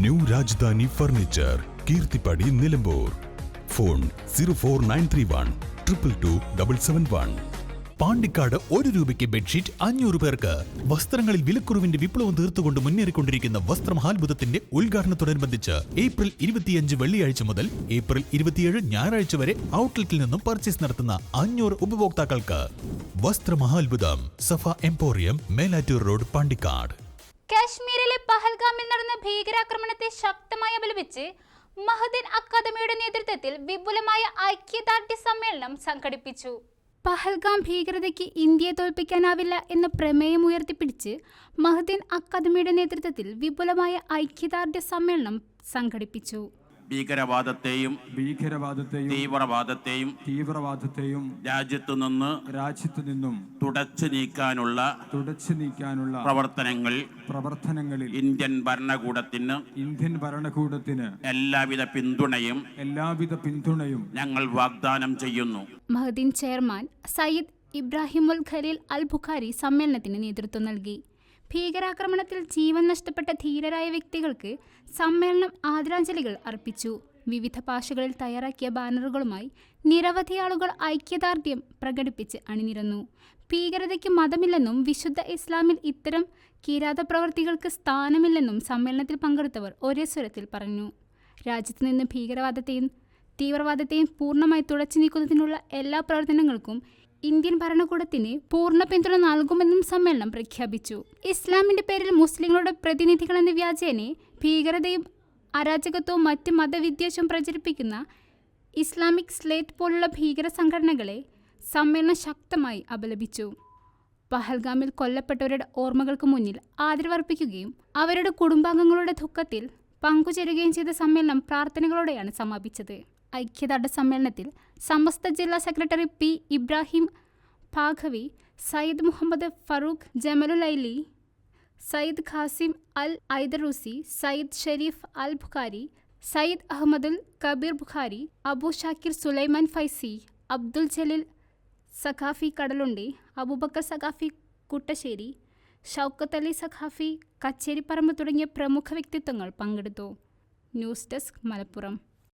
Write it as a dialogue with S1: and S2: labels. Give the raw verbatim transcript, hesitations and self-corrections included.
S1: New Rajdhani furniture, Keerthippadi, Nilambur. Phone zero four nine three one triple two double seven one. Pandikkad ഒരു രൂപയ്ക്ക് bedsheet അഞ്ഞൂറ് പേർക്ക്. വസ്ത്രങ്ങളിൽ വിലക്കുറവിന്റെ വിപ്ലവം തീർത്തുകൊണ്ട് മുന്നേറിക്കൊണ്ടിരിക്കുന്ന വസ്ത്രമഹാത്ഭുതത്തിന്റെ ഉദ്ഘാടനത്തോടനുബന്ധിച്ച് ഏപ്രിൽ ഇരുപത്തിയഞ്ച് വെള്ളിയാഴ്ച മുതൽ ഏപ്രിൽ ഇരുപത്തിയേഴ് ഞായറാഴ്ച വരെ ഔട്ട്ലെറ്റിൽ നിന്നും പർച്ചേസ് നടത്തുന്ന അഞ്ഞൂറ് ഉപഭോക്താക്കൾക്ക് വസ്ത്രമഹാത്ഭുതം സഫ എംപോറിയം, മേലാറ്റൂർ റോഡ്, പാണ്ടിക്കാട്.
S2: കാശ്മീരിലെ പഹൽഗാമിൽ നടന്ന ഭീകരാക്രമണത്തെ ശക്തമായി അപലപിച്ച് മഹദിൻ അക്കാദമിയുടെ നേതൃത്വത്തിൽ വിപുലമായ ഐക്യദാർഢ്യ സമ്മേളനം സംഘടിപ്പിച്ചു. പഹൽഗാം ഭീകരതയ്ക്ക് ഇന്ത്യയെ തോൽപ്പിക്കാനാവില്ല എന്ന പ്രമേയം ഉയർത്തിപ്പിടിച്ച് മഹദിൻ അക്കാദമിയുടെ നേതൃത്വത്തിൽ വിപുലമായ ഐക്യദാർഢ്യ സമ്മേളനം സംഘടിപ്പിച്ചു.
S3: ഭീകരവാദത്തെയും
S4: ഭീകരവാദത്തെയും
S3: തീവ്രവാദത്തെയും
S4: തീവ്രവാദത്തെയും
S3: രാജ്യത്തു നിന്ന്
S4: രാജ്യത്തു നിന്നും
S3: തുടച്ചു നീക്കാനുള്ള
S4: തുടച്ചു നീക്കാനുള്ള
S3: പ്രവർത്തനങ്ങൾ
S4: പ്രവർത്തനങ്ങളിൽ
S3: ഇന്ത്യൻ ഭരണകൂടത്തിന്
S4: ഇന്ത്യൻ ഭരണകൂടത്തിന്
S3: എല്ലാവിധ പിന്തുണയും
S4: എല്ലാവിധ പിന്തുണയും
S3: ഞങ്ങൾ വാഗ്ദാനം ചെയ്യുന്നു.
S2: മഹദിൻ ചെയർമാൻ സയ്യിദ് ഇബ്രാഹിമുൽ ഖലീൽ അൽ ബുഖാരി സമ്മേളനത്തിന് നേതൃത്വം നൽകി. ഭീകരാക്രമണത്തിൽ ജീവൻ നഷ്ടപ്പെട്ട ധീരരായ വ്യക്തികൾക്ക് സമ്മേളനം ആദരാഞ്ജലികൾ അർപ്പിച്ചു. വിവിധ ഭാഷകളിൽ തയ്യാറാക്കിയ ബാനറുകളുമായി നിരവധി ആളുകൾ ഐക്യദാർഢ്യം പ്രകടിപ്പിച്ച് അണിനിരന്നു. ഭീകരതയ്ക്ക് മതമില്ലെന്നും വിശുദ്ധ ഇസ്ലാമിൽ ഇത്തരം കിരാതപ്രവർത്തികൾക്ക് സ്ഥാനമില്ലെന്നും സമ്മേളനത്തിൽ പങ്കെടുത്തവർ ഒരേ സ്വരത്തിൽ പറഞ്ഞു. രാജ്യത്ത് നിന്ന് ഭീകരവാദത്തെയും തീവ്രവാദത്തെയും പൂർണ്ണമായി തുടച്ചു നീക്കുന്നതിനുള്ള എല്ലാ പ്രവർത്തനങ്ങൾക്കും ഇന്ത്യൻ ഭരണകൂടത്തിന് പൂർണ്ണ പിന്തുണ നൽകുമെന്നും സമ്മേളനം പ്രഖ്യാപിച്ചു. ഇസ്ലാമിന്റെ പേരിൽ മുസ്ലിങ്ങളുടെ പ്രതിനിധികളെന്ന വ്യാജേനെ ഭീകരതയും അരാജകത്വവും മറ്റ് മതവിദ്വേഷവും പ്രചരിപ്പിക്കുന്ന ഇസ്ലാമിക് സ്ലേറ്റ് പോലുള്ള ഭീകര സംഘടനകളെ സമ്മേളനം ശക്തമായി അപലപിച്ചു. പഹൽഗാമിൽ കൊല്ലപ്പെട്ടവരുടെ ഓർമ്മകൾക്ക് മുന്നിൽ ആദരവർപ്പിക്കുകയും അവരുടെ കുടുംബാംഗങ്ങളുടെ ദുഃഖത്തിൽ പങ്കുചേരുകയും ചെയ്ത സമ്മേളനം പ്രാർത്ഥനകളോടെയാണ് സമാപിച്ചത്. ഐക്യദാർഢ്യ സമ്മേളനത്തിൽ സമസ്ത ജില്ലാ സെക്രട്ടറി പി ഇബ്രാഹിം ഭാഗവി, സയ്യിദ് മുഹമ്മദ് ഫറൂഖ് ജമലുലൈലി, സയ്യിദ് ഖാസിം അൽ ഐദറൂസി, സയ്യിദ് ഷെരീഫ് അൽ ബുഖാരി, സയ്യിദ് അഹമ്മദുൽ കബീർ ബുഖാരി, അബു ഷാക്കിർ സുലൈമാൻ ഫൈസി, അബ്ദുൽ ജലീൽ സഖാഫി കടലുണ്ടി, അബൂബക്കർ സഖാഫി കുട്ടശ്ശേരി, ഷൗക്കത്ത് അലി സഖാഫി കച്ചേരിപ്പറമ്പ് തുടങ്ങിയ പ്രമുഖ വ്യക്തിത്വങ്ങൾ പങ്കെടുത്തു. News desk, Malappuram.